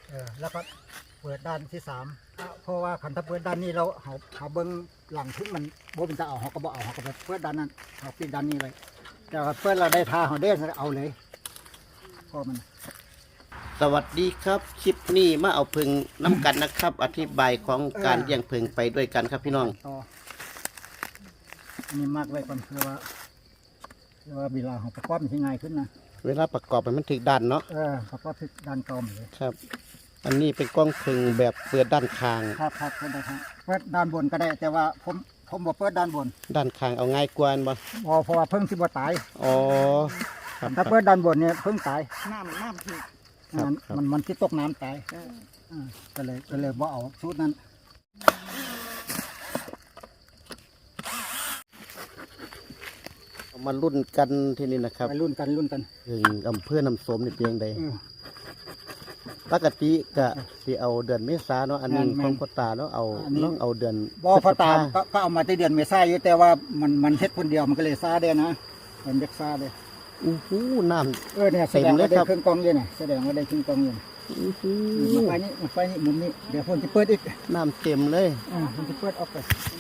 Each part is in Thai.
แล้วก็เปิดด้านที่สามเพราะว่าคันถ้าเปิดด้านนี้เราเขาเบิ้งหลังทุ่งมันโบเป็นจะเอาเขาก็บอกเอาเขาก็เปิดด้านนั้นเขาปิดด้านนี้เลยแต่เปิดเราได้ทาเขาได้เอาเลยเพราะมันสวัสดีครับคลิปนี้มาเอาผึ่งน้ำกันนะครับ อธิบายของการเลี้ยงผึ่งไปด้วยกันครับพี่น้องอันนี้มากไว้ก่อนคือว่าเวลาของประกอบมันง่ายขึ้นนะเวลาประกอบมันถึกดันเนาะประกอบถึกดันกลมเลยครับอันนี้เป็นกล้องผึ่งแบบเปิดด้านคางครับเปิดได้ครับเปิดด้านบนก็ได้แต่ว่าผมบอกเปิดด้านบนด้านคางเอาง่ายกว่าบ่เพราะว่าเพิ่งสิบ่ตายอ๋อครับถ้าเปิดด้านบนเนี่ยเพิ่งตายน้ำถึกมันที่ตกน้ำตายก็เลยว่าเอาชุดนั้นมารุ่นกันที่นี่นะครับรุ่นกันถึงอำเภอน้ำสมนี่เพียงใดปกติก็สิเอาเดือนเมษาเนาะอันนี้ของพ่อตาเนาะเอาเดือนพ่อตาก็เอามาในเดือนเมษายนแต่ว่ามันเฮ็ดคนเดียวมันก็เลยซาได้นะมันเด็กซาได้น้ำเนี่ยแสดงว่าได้เครื่องกองเย็นแสดงว่าได้เครื่องกองเย็นมาไฟนี่มุมนี้เดี๋ยวผมจะเปิดอีกน้ำเต็มเลยผมจะเปิดออกไป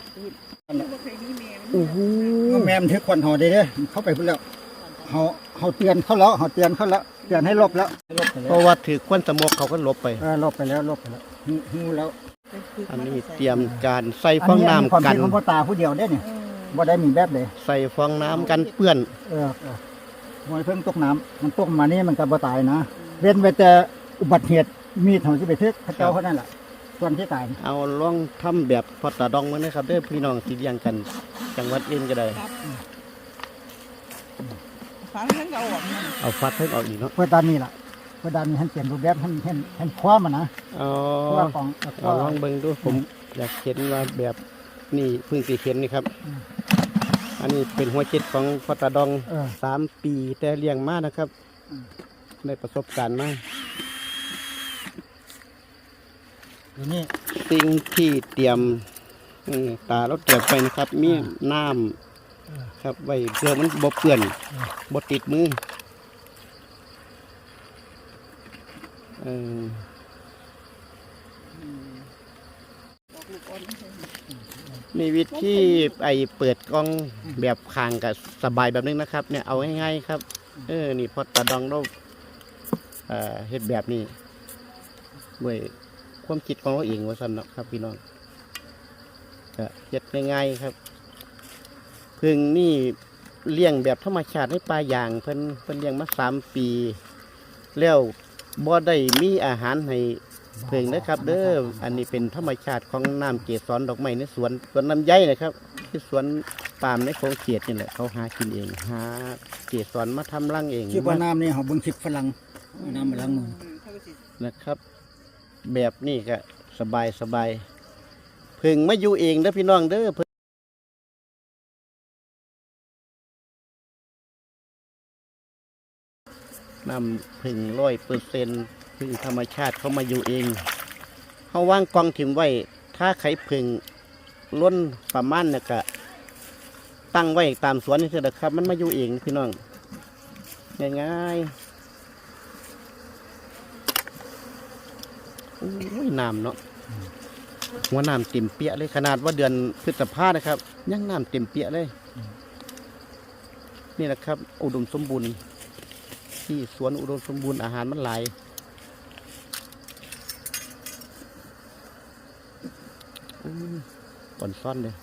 แม่มันถือควันห่อได้เด้เข้าไปพุ่นแล้วเขาเตือนเขาแล้วเตือนให้ลบแล้วเพราะว่าถือควันสมกเขาก็ลบไปลบไปแล้วหูแล้วอันนี้เตรียมการใส่ฟองน้ำกันของพ่อตาผู้เดียวได้เนี่ยบ่ได้มีแบบเลยใส่ฟองน้ำกันเปื้อนมวยเพิ่งตกน้ำมันตกมานี่มันก็บ่ตายนะเว้นไว้แต่อุบัติเหตุมีดของที่ไปเทศพระเจ้าเขานั่นแหละส่วนที่ตายเอาลองทำแบบพอตาดองมั้ยนะครับเด้อพี่น้องที่เลี้ยงกันจังหวัดอื่นก็ได้ฟันทั้งเอาฟัดให้ออกอีกเนาะเพื่อด้านนี้ล่ะเพื่อด้านนี้ให้เปลี่ยนรูปแบบให้คว้ามันนะลองเบิ่งดูผมอยากเห็นว่าแบบนี่เพิ่งสิเห็นนี่ครับอันนี้เป็นหัวจิตของพอตาดอง3 ปีแต่เลี้ยงมานะครับได้ประสบการณ์มานี่สิ่งที่เตรียมตาเราเตรียมไปนะครับมีน้ำครับไว้เพื่อมันบ่เปื้อนบ่ติดมือมีวิธีเปิดกล้องแบบคางกับสบายแบบนึงนะครับเนี่ยเอาง่ายๆครับนี่พอตาดองเราเฮ็ดแบบนี้ด้วยความคิดของเราเองว่าสำนักครับพี่น้องก็เฮ็ดง่ายๆครับผึ่งนี่เลี้ยงแบบธรรมชาติให้ปลาอย่างเพิ่นเลี้ยงมา3 ปีแล้วบ่ได้มีอาหารให้ผึ่งนะครับเด้ออันนี้เป็นธรรมชาติของน้ำเกสรดอกไม้ในสวนลำไยนะครับที่สวนปาล์มในโขงเขียดนี่แหละเขาหากินเองหาเกสรมาทำรังเองคิดว่าน้ำนี่เขาเบิ่งคลิปฝรั่งน้ำมาล้างมือนะครับแบบนี้ก็สบายผึ่งมาอยู่เองเด้อพี่น้องเด้อน้ำผึ่ง100%ผึ่งธรรมชาติเขามาอยู่เองเขาวางกองถิ่มไว้ถ้าไข่ผึ่งล้นประมาณเนี่ยก็ตั้งไว้ตามสวนนี่เถอะครับมันมาอยู่เองพี่น้องง่ายๆโอ้ยน้ำเนาะหัวน้ำเต็มเปียเลยขนาดว่าเดือนพฤษภานะครับยังน้ำเต็มเปียเลยนี่แหละครับอุดมสมบูรณ์ที่สวนอุดมสมบูรณ์อาหารมันหลายก่อนซ่อนเลย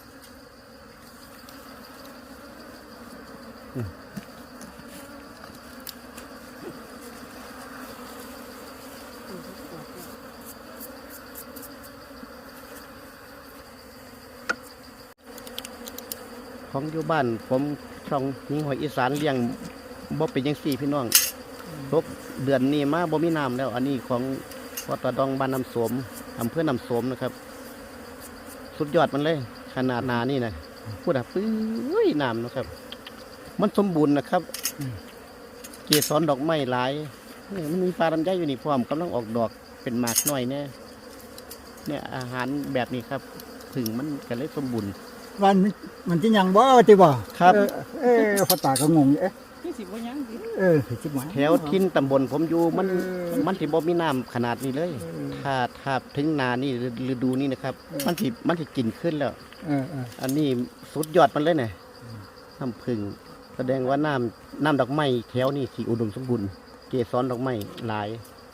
ของอยู่บ้านผมช่องยิงหอยอีสานเลี้ยงบ่เป็นยัง4พี่น้องทุกเดือนนี้มาบ่มีน้ำแล้วอันนี้ของพอตาดองบ้านน้ำโสมอำเภอน้ำโสมนะครับสุดยอดมันเลยขนาดนานี่นะพูดอ่ะปื้ยน้ำนะครับมันสมบูรณ์นะครับเกสรดอกไม้หลายมันมีปลาลำไยอยู่นี่พร้อมกำลังออกดอกเป็นหมากน้อยเนี่ยอาหารแบบนี้ครับถึงมันก็เลยสมบูรณ์มันจะยังบ่จิบ่ครับพ่อตาก็งงสิบ่ยังสิคือสิบหมายแถวทินตำบลผมอยู่มันสิบ่มีน้ำขนาดนี้เลย ถ้าถึงนานี่ฤดูนี้นะครับ มันสิกินขึ้นแล้ว อันนี้สุดยอดมันเลยเนี่ยน้ำผึ้งแสดงว่าน้ำดอกไม้แถวนี้สิอุดมสมบูรณ์เกสรดอกไม้หลาย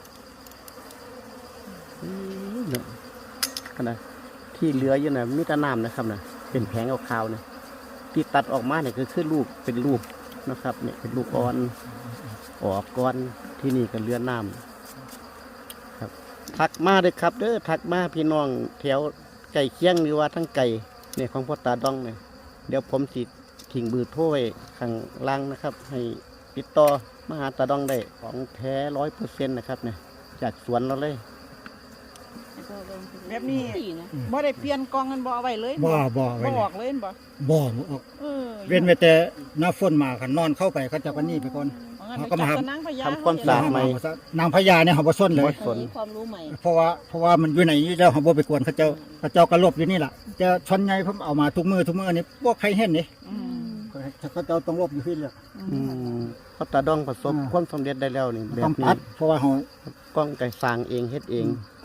เนี่ยขนาดที่เหลืออยู่น่ะมีแต่น้ำนะครับน่ะเป็นแผงขาวๆเนี่ยที่ตัดออกมาเนี่ยคือลูกเป็นลูกนะครับเนี่ยเป็นลูกอ่อนออกก้อนที่นี่ก็เหลือน้ำครับทักมาเลยครับเด้อทักมาพี่น้องแถวไก่เคียงหรือว่าทั้งไก่เนี่ยของพ่อตาดองเนี่ยเดี๋ยวผมสิทิ้งเบอร์โทรไว้ข้างล่างนะครับ ให้ติดต่อมาหาตาดองได้ของแท้100%นะครับเนี่ยจากสวนเราเลยแบบนี้บ่ได้เปลี่ยนกองกันบ่เอาไว้เลยบ่บ่ไว้อเลอย กเลยบ่บ่ออก เว้นไว้แต่หน้าฝนมาคันนอนเข้าไปเขาจะกันนี่ไปก่อนเขาก็มาทำทำความสะอาดใหม่นางพญาเนี่ยเขาบ่ส้นเลยบ่สนมีความรู้ใหม่เพราะว่ามันอยู่ไหนนี่เจ้าเขาบ่ไปกวนเขาเจ้ากระลบอยู่นี่ล่ะจะช้อนใหญ่เพิ่มเอามาทุกมือนี่บ่ใครเห็นนี่เขาเจ้าต้องลบอยู่ที่เลยพ่อตาดองประสบความสำเร็จได้แล้วนี่แบต้อบ งนี้ตัดเพราะว่าเขากล้องไก่สร้างเองเฮ็ดเอง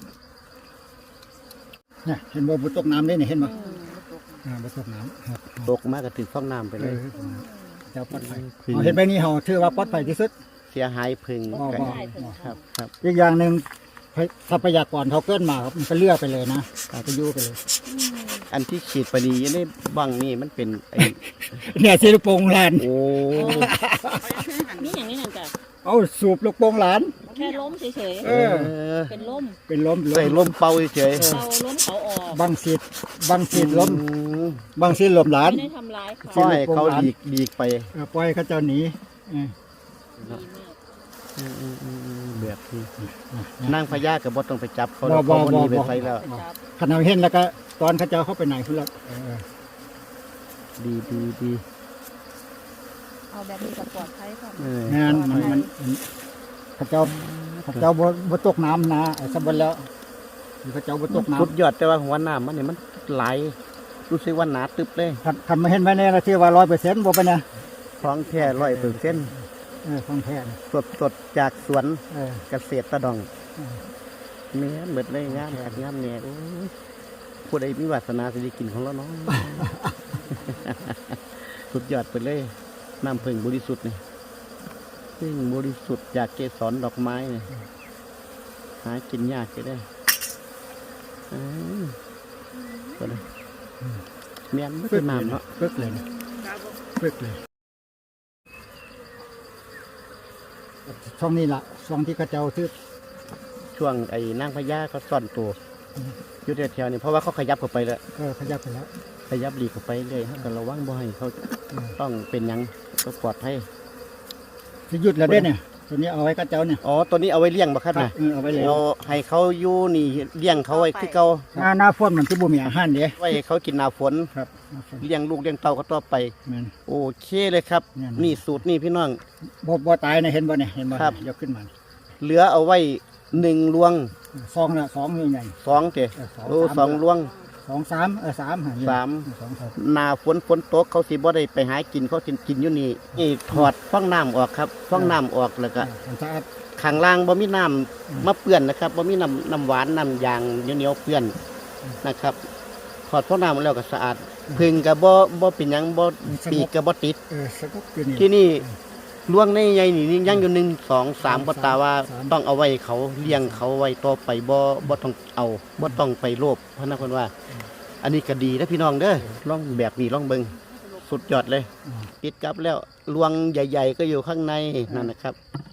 เนี่ยเห็นบ่บ่ตกน้ำได้นี่เห็นบ่บ่ตกน้ำครับตกมาก็ถึงฟ้องน้ำไปเลยเจ้าปลอดภัยพึ่งเอาเห็นไปนี่เขาถือว่าปลอดภัยที่สุดเสียหายพึ่งบ่ไก่บ่ครับครับอีกอย่างหนึ่งทรัพยากรเขาเกินมาครับมันก็เลือกไปเลยนะไปอยู่ไปเลยอันที่ฉีดไปดีอยู่ในบังนี่มันเป็นไอ้เนี่ยสิลูกโป่งหลานโอ้นี่อย่างนี้นั่นจ้ะเอาสูบลูกโป่งหลานแค่ล้มเฉยเออๆ เป็นล้มเป็นล้มใส่ลมเป่าเฉยเราล้มเขาออกบางสิทธิ์ล้มอืมบางสิทธิ์ล้มหลานไม่ได้ทำร้ายเขาปล่อยเขาดีกไปปล่อยเขาเจ้าหนีเออดีมากแบบนี้นั่งพญากับบต้องไปจับเขาแล้วเขาบ่หนีไปใส่แล้วจับขณะเห็นแล้วก็ตอนเขาเจ้าเข้าไปไหนพุ่นละดีเอาแบบนี้กับปลอดภัยค่ะเอองานมันเขาเจ้าบ่ตกน้ำนะไอ้สมบัติแล้วเขาเจ้าบ่ตกน้สุดยอดแต่ว่าหัวหน้ามันนี่มันไหลรู้สึกว่าหนาตึบเลยำคันมาเห็นไว้ในละที่ว่า100%บ่ไปนะท้องแท้100% ของแท้นะสดจากสวนเออเกษตรตะดองเนื้อหมดเลยงามขัดงามเนี่ยโอ้ยผู้ใดมีวาสนาสิได้กินของเราเนาะ สุดยอดไปเลยน้ำผึ้งบริสุทธิ์นี่ผึ้งบริสุทธิ์จากเกสรดอกไม้เนี่ยหากินยากจะได้ก็เลยเมียนไม่เป็นน้ำเนาะปึ๊กเลยนะปึ๊กเลยช่องนี้ล่ะช่องที่เขาเจ้าซื้อช่วงไอ้นางพญาเขาซ่อนตัวอยู่แถวๆนี่เพราะว่าเขาขยับเข้าไปแล้วก็ขยับไปแล้วขยับหลีกเข้าไปเลยเขาก็ระวังบ่ให้เขาต้องเป็นหยังก็ปลอดภัยสิหยุดแล้วเด้เนี่ยตัวนี้เอาไว้กับเจ้าเนี่ยอ๋อตัวนี้เอาไว้เลี้ยงบ่ครับนะเอาไว้เลยเอาให้เขาอยู่นี่เลี้ยงเขาไว้คือเก่าหน้าฝนมันสิบ่มีอาหารเด้ไว้ให้เขากินหน้าฝนครับหน้าฝนเลี้ยงลูกเลี้ยงเต่าเขาต่อไปแม่นโอเคเลยครับแม่นนี่สูตรนี่พี่น้องบ่ตายนะเห็นบ่เนี่ยเห็นบ่ครับยกขึ้นมาเหลือเอาไว้1ลวงซองละ2นี่ใหญ่ 2เตะโอ้2ลวง 2 3 3 3 2ครับหน้าฝนตกเขาสิบ่ได้ไปหากินเขาสิกินอยู่นี่นี่ถอดฟองน้ำออกครับฟองน้ำออกแล้วก็มันสะอาดข้างล่างบ่มีน้ำมาเปื้อนนะครับบ่มีน้ำหวานน้ำยางเหนียวๆเปื้อนนะครับถอดฟองน้ำแล้วก็สะอาดพึ่งก็บ่เป็นหยังบ่ปีกก็บ่ติดสกบอยู่นี่ที่นี่ล่วงในใหญ่นี่ยังอยู่1 2 3บ่ตาว่าต้องเอาไว้เขาเลี้ยงเขาไว้ต่อไปบ่ต้องเอาบ่ต้องไปโลภเพราะนั้นเพิ่นว่า อันนี้ก็ดีนะพี่น้องเด้อลองแบบนี้ลองเบิ่งสุดยอดเลยติดกับแล้วลวงใหญ่ๆก็อยู่ข้างในนั่นนะครับ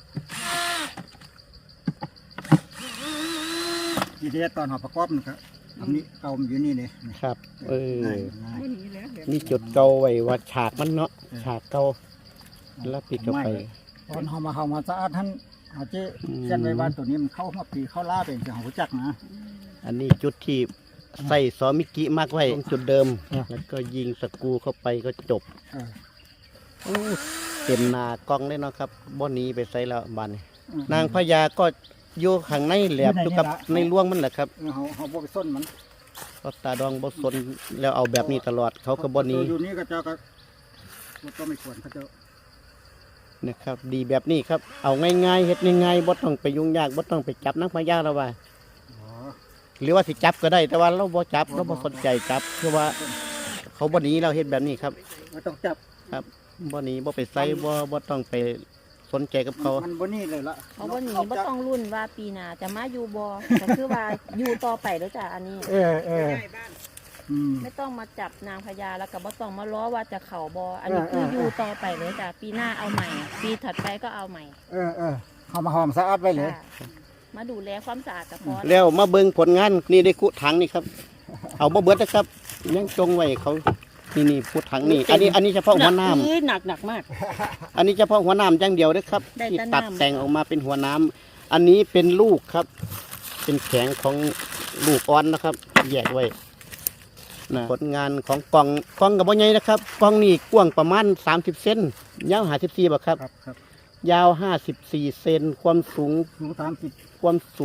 ทีนี้ตอนเขาประกอบมันก็อันนี้เก่ามันอยู่นี่นี่ครับง่ายบ่หนีแล้วแบบนี่จุดเก่าไว้ว่าฉากมันเนาะฉากเก่าแล้วปิดเข้าไปตอนเขามาสะอาดท่านอาจจะเช่นไว้ว่าตัวนี้มันเข้ามาปีเข้าล่าเป็นเสียงหัวจักนะอันนี้จุดที่ใส่ซอมิกิมากไว้ตรงจุดเดิม แล้วก็ยิงสกรูเข้าไปก็จบเออเต็มหนากล้องเลยเนาะครับบ่หนี้ไปใส่แล้วบานนี้นางพญาก็อยู่ข้างในแหลบอยู่กับในร่วงมันแหละครับเขาบ่ไปส้นมันก็ตาดองบ่สนแล้วเอาแบบนี้ตลอดเขาก็บ่หนี้อยู่นี่ก็เจ้าก็บ่ต้องไม่ควรเขาเจ้านะครับ ดีแบบนี้ครับเอาง่ายๆเฮ็ดง่ายๆบ่ต้องไปยุ่งยากบ่ต้องไปจับนางพญาแล้วว่าอ๋อหรือว่าสิจับก็ได้แต่ว่าเราบ่จับเราบ่สนใจจับคือว่าเขาบ่หนีเราเฮ็ดแบบนี้ครับไม่ต้องจับครับบ่หนีบ่ไปใส่บ่ต้องไปสนใจกับเขามันบนนี่เลยละเขาบ่หนีบ่ต้องรุ่นว่าปีหน้าจะมาอยู่บ่ก็คือว่าอยู่ต่อไปแล้วจ้ะอันนี้เอออืมไม่ต้องมาจับนางพญาแล้วก็บ่ต้องมาล้อว่าจะเข่าบ่อันนี้คืออยู่ต่อไปเลยจ้ะปีหน้าเอาใหม่ ปีถัดไปก็เอาใหม่เอามาหอมสะอาดไว้เลยจ้ะมาดูแลความสะอาดก็พอแล้วมาเบิ่งผลงานนี่ได้คุถังนี่ครับ เอาบ่เบิดนะครับ ยังจงไว้เขานี่คุถังนี่ อันนี้เฉพาะหัวน้ำหนักมากอันนี้เฉพาะหัวน้ำอย่างเดียวนะครับได้ที่แต่ตัดน้ำแต่งออกมาเป็นหัวน้ำอันนี้เป็นลูกครับ เป็นแข็งของลูกอ่อนนะครับ แยกไว้นะผลงานของกล่องกับบ่ใหญ่นะครับกล่องนี่กว้างประมาณ30 เซนยาว54บ่ครับครับยาว54 เซนความสูงสูง30 30 ก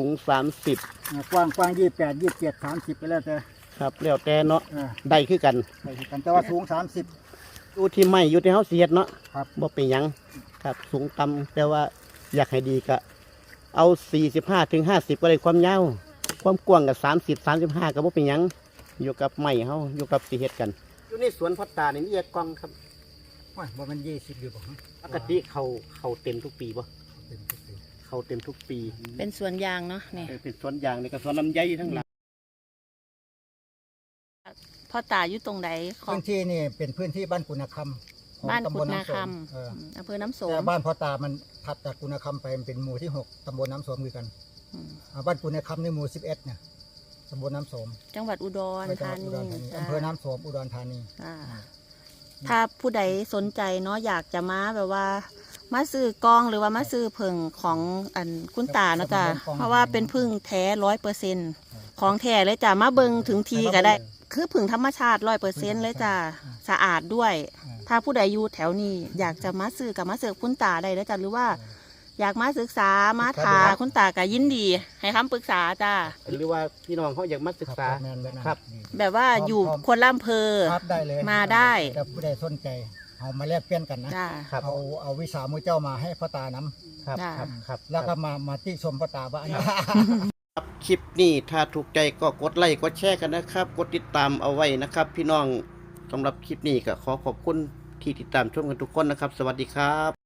ว้าง28 27 30ไปแล้วแต่ครับแล้วแต่เนาะเออได้คือกันได้คือกันแต่ว่าสูง30 อยู่ที่ไม่อยู่ที่เฮาเสียดเนาะครับบ่เป็นหยังครับสูงต่ำแต่ว่าอยากให้ดีก็เอา45 ถึง 50ก็ได้ความยาวความกว้างก็30 35ก็บ่เป็นหยังอยู่กับไม้เฮาอยู่กับสิเฮ็ดกันอยู่ในสวนพ่อตานี่มีกล่องครับโอ้ยบ่มัน20อยู่บ่ฮะปกติเขาเต็มทุกปีบ่เป็นทุกปีเขาเต็มทุกปีเป็นสวนยางเนาะนี่เป็นสวนยางนี่ก็สวนลำไยทั้งหลายพ่อตาอยู่ตรงไหนของพื้นที่นี่เป็นพื้นที่บ้านกุณคำของบ้านตำกุบดลนาน้ำสคมเออำอำเภอน้ำโสแต่มบ้านพ่อตามันถัดจากกุณคำไปมันเป็นหมู่ที่ 6ตำบลน้ำสมคือกันอืมบ้านกุณคำในหมู่11เนี่ยตำบลน้ำสมจังหวัดอุดรจังหธาวัดนีอุดรธานีจ้ะอำเภอน้ำสมอุดรธานีอ่าถ้าผู้ใดสนใจเนาะอยากจะมาแบบว่า มาซื้อกล้องหรือว่ามาซื้อผึ่งของอันคุณตาเนาะจ้ะเพราะว่าเป็นผึ่งแท้100%ของแท้เลยจ้ะมาเบิงถึงทีก็ได้ คือผึ่งธรรมชาติ100%เลยจ้ะสะอาดด้วย ถ้าผู้ใดอยู่แถวนี้อยากจะมาซื้อกับมาซื้อคุณตาได้เลยจ้ะหรือว่า อยากมาศึกษามาถาคุณตาก็ยินดี ให้คำปรึกษาจ้ะหรือว่าพี่น้องเขาอยากมาศึกษาแม่นเลยนะครับแบบว่าอยู่คนละอำเภอครับได้เลยมาได้แต่ผู้ใดสนใจเอามาแลกเปลี่ยนกันนะจ้ะครับเอาวิสามือเจ้ามาให้พ่อตานำครับจ้ะครับแล้วก็มาติชมพ่อตาว่าอันนี้ครับคลิปนี้ถ้าถูกใจก็กดไลค์กดแชร์กันนะครับ กดติดตามเอาไว้นะครับ พี่น้องสำหรับคลิปนี้ก็ขอขอบคุณที่ติดตามชมกันทุกคนนะครับ สวัสดีครับ